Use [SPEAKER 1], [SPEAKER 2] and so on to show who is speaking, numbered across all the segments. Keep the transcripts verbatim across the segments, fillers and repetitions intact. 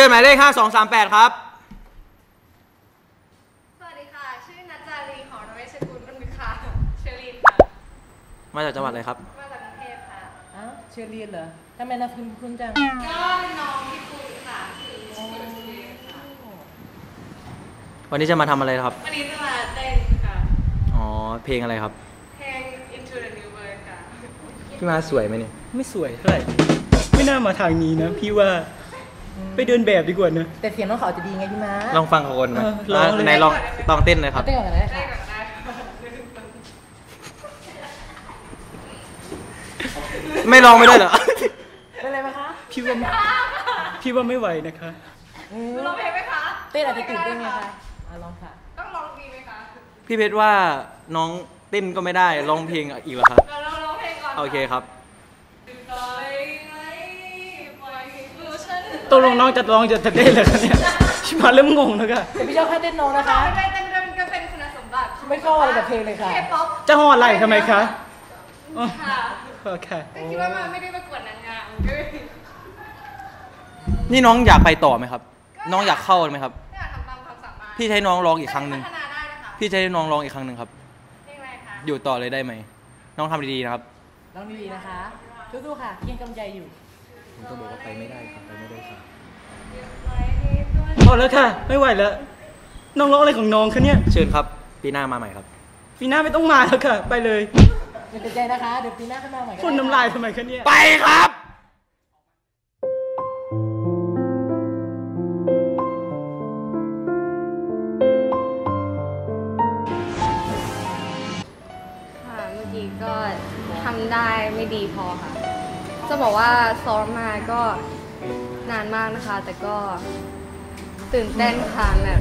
[SPEAKER 1] ชิญหมายเลขห้าสองสามแปดครับ
[SPEAKER 2] สวัสดีค่ะชื่อนัจจารีหอระเวชกุลรุ่นวิค่ะเชอรีนค่ะ
[SPEAKER 1] มาจากจังหวัดอะไรครับ
[SPEAKER 2] มาจากกรุงเทพค่ะ
[SPEAKER 3] อ้าวเชอรีนเหรอทำไมนามสกุลคุณจัง
[SPEAKER 2] ก็น้องพี่ปุ้ยค่ะคือชื่อเชอรีนค่ะ
[SPEAKER 1] วันนี้จะมาทำอะไรครับ
[SPEAKER 2] วันนี้จะมาเต้นค่ะ
[SPEAKER 1] อ๋อเพลงอะไรครับ
[SPEAKER 2] เพลง Into the New World ค่ะ
[SPEAKER 1] พี่มาสวยไหมเนี่ย
[SPEAKER 4] ไม่สวยเท่าไหร่ไม่น่ามาทางนี้นะพี่ว่าไปเดินแบบดีกว่านะ
[SPEAKER 3] แต่เสียงน้องเขาจะดีไงพี่ม้า
[SPEAKER 1] ลองฟังเขาคนไหมไหนลองต้องเต้นเลยครับ
[SPEAKER 3] เต้นก่อนเลยค่ะ
[SPEAKER 1] ไม่ลองไม่ได้เหรอ
[SPEAKER 3] เป็นไรไหมคะ
[SPEAKER 4] พี่ว่าพี่ว่าไม่ไหวนะคะ
[SPEAKER 2] ร้องเพลงไหมคะ
[SPEAKER 3] เต้นอาจจะตื่นเต้นไหมคะลองค่ะ
[SPEAKER 2] ต้องร้องดีไหมคะ
[SPEAKER 1] พี่เพชรว่าน้องเต้นก็ไม่ได้ร้องเพลงอีกเหรอครับ
[SPEAKER 2] เราร้องเพลงก่อน
[SPEAKER 1] โอเคครับ
[SPEAKER 4] ตกลงน้องจะร้องจะเต้นเลยคะเนี่ยชิมาเริ่มงงแล้วค่ะ
[SPEAKER 3] แต่พี่เจ้าแค่เต้นน้องนะคะ
[SPEAKER 2] ไม่ได้เต้นก็เป็นคุณสมบัติ
[SPEAKER 3] ไม่เข้าอะไรกับเพลงเลยค่ะ
[SPEAKER 4] จะห่อไหลทำไมคะ
[SPEAKER 2] ค่ะ
[SPEAKER 4] โอเค
[SPEAKER 2] คิดว่ามันไม่ได้ประกวดนางงาม
[SPEAKER 1] นี่น้องอยากไปต่อไหมครับน้องอยากเข้าไหมครับ
[SPEAKER 2] อยากทำตามความสามารถ
[SPEAKER 1] พี่ใช้น้องร้องอีกครั้งหนึ่ง
[SPEAKER 2] พัฒนาได้นะคะ
[SPEAKER 1] พี่ใช้น้องร้องอีกครั้งหนึ่งครับ
[SPEAKER 2] เพลงอะไรคะ
[SPEAKER 1] อยู่ต่อเลยได้ไหมน้องทำดีๆนะครับ
[SPEAKER 3] น้องดีๆนะคะสู้ๆค่ะเคียงกำใจอยู่
[SPEAKER 1] ผมก็บอกว่าไปไม่ได้ครับไปไม่ได้ครับ
[SPEAKER 4] พอแล้วค่ะไม่ไหวแล้วน้องร้องอะไรของน้องคะเนี่ย
[SPEAKER 1] เชิญครับปีหน้ามาใหม่ครับ
[SPEAKER 4] ปีหน้าไม่ต้องมาแล้วค่ะไปเลย
[SPEAKER 3] อย่าเสียใจนะคะเดี๋ยวปีหน้าขึ้นมาใหม่
[SPEAKER 4] คนน้ำลายทำไมคะเนี่ย
[SPEAKER 1] ไปครับ
[SPEAKER 2] ค่ะเมื่อกี้ก็ทำได้ไม่ดีพอค่ะจะบอกว่าซ้อมมาก็นานมากนะคะแต่ก็ตื่นเต้นค่ะแบบ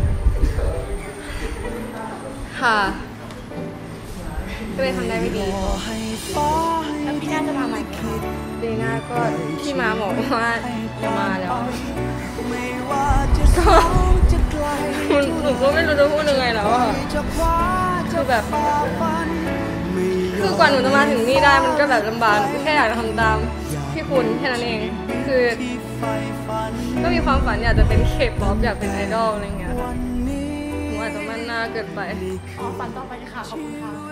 [SPEAKER 2] ค่ะก็เลยทำได้ไม่ดีแล้วพี่น่าจะมาใหม่ไหมคะปีหน้าก็พี่มาบอกว่าจะมาแล้วก็หนูก็ไม่รู้จะพูดยังไงแล้วอะคือแบบคือกว่าหนูจะมาถึงนี่ได้มันก็แบบลำบากแค่อยากทำตามพี่คุณแค่นั้นเองคือก็มีความฝันอยากจะเป็นเคป๊อปอยากเป็นไอดอลอะไรเงี้ยหนูอาจจะมั่นหน้าเกินไป
[SPEAKER 3] อ๋อฝันต่อไปค่ะขอบคุณค่ะ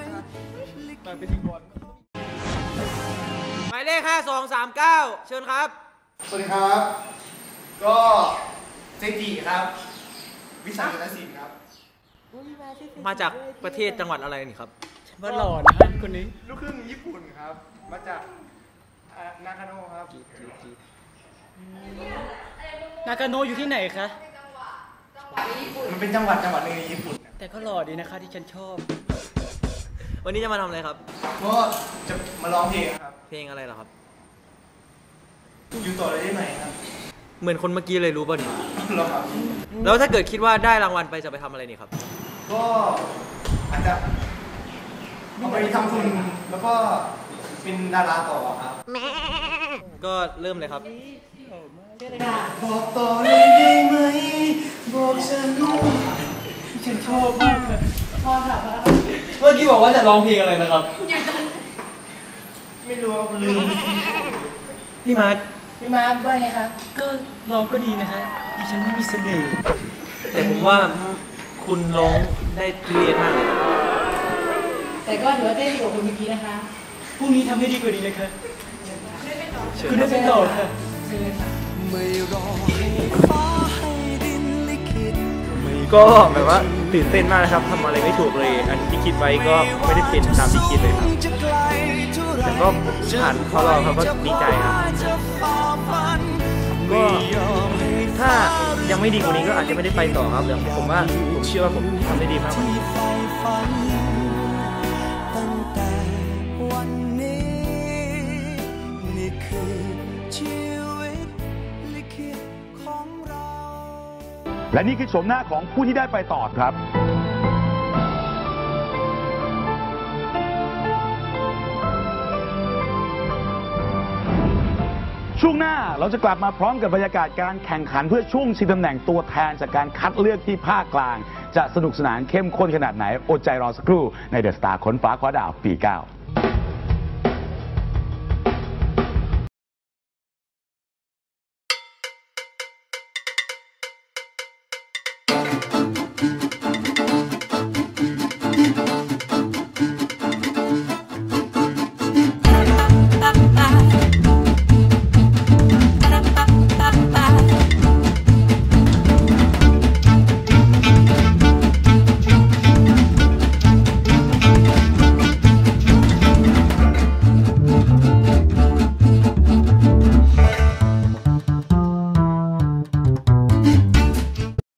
[SPEAKER 1] หมายเลขห้าสองสามเก้าเชิญครับ
[SPEAKER 5] สวัสดีครับก็เจจิครับวิสัยนศิลป์ครับ
[SPEAKER 1] มาจากประเทศจังหวัดอะไรนี่ครับ
[SPEAKER 4] ว่าหล่อนะคนนี้
[SPEAKER 5] ลูกครึ่งญี่ปุ่นครับมาจากนากาโนะครับ
[SPEAKER 4] นากาโนอยู่ที่ไหนคะ
[SPEAKER 5] มันเป็นจังหวัดจังหวัดในญี่ปุ่น
[SPEAKER 4] แต่ก็หล่อดีนะคะที่ฉันชอบ
[SPEAKER 1] วันนี้จะมาทำอะไรครับ
[SPEAKER 5] ก็จะมาร้องเพลงครับ
[SPEAKER 1] เพลงอะไรเหรอครับ
[SPEAKER 5] อยู่ต่อเลยได้ไหมครับ
[SPEAKER 1] เหมือนคนเมื่อกี้เลยรู้ป่ะนี่
[SPEAKER 5] หรอครับ
[SPEAKER 1] แล้วถ้าเกิดคิดว่าได้รางวัลไปจะไปทำอะไรนี่ครับ
[SPEAKER 5] ก็อาจจะเอาไปทำทุนแล้วก็เป็นดาราต่อครับ
[SPEAKER 1] ก็เริ่มเลยครับ
[SPEAKER 5] บอกต่อเลยได้ไหมบอกฉัน
[SPEAKER 4] ฉันชอบมากเลย
[SPEAKER 3] พ่อค่ะ
[SPEAKER 1] เมื่อกี้บอกว่าจะร้องเพลงอะไรนะครับ
[SPEAKER 5] ไม่รู้ลืม
[SPEAKER 1] พี่มาร์ค
[SPEAKER 3] พี่มาร์คว่าไงคะ
[SPEAKER 4] ก็ร้องก็ดีนะคะดิฉันไม่มีเสน่ห์
[SPEAKER 1] แต่ผมว่าคุณร้องได้เรียนมากเลย
[SPEAKER 3] แต่ก็ถือว่าเต้นดีกว่าคนเมื่อกี้นะคะ
[SPEAKER 4] พรุ่งนี้ทำให้ดีกว่านี้เลยค่ะคุณได้เป็นต่อค่ะ
[SPEAKER 1] ก็แบบว่าตื่นเต้นมากนะครับทำอะไรไม่ถูกเลยอันที่คิดไว้ก็ไม่ได้เป็นตามที่คิดเลยครับแต่ก็ผ่านเขารอเขาก็ดีใจครับก็ถ้ายังไม่ดีกว่านี้ก็อาจจะไม่ได้ไปต่อครับแต่ผมว่าผมเชื่อว่าผมทำได้ดีมากกว่านี้
[SPEAKER 6] และนี่คือโฉมหน้าของผู้ที่ได้ไปต่อครับช่วงหน้าเราจะกลับมาพร้อมกับบรรยากาศการแข่งขันเพื่อช่วงชิงตำแหน่งตัวแทนจากการคัดเลือกที่ภาคกลางจะสนุกสนานเข้มข้นขนาดไหนอดใจรอสักครู่ในเดอะสตาร์ค้นฟ้าคว้าดาวปีเก้า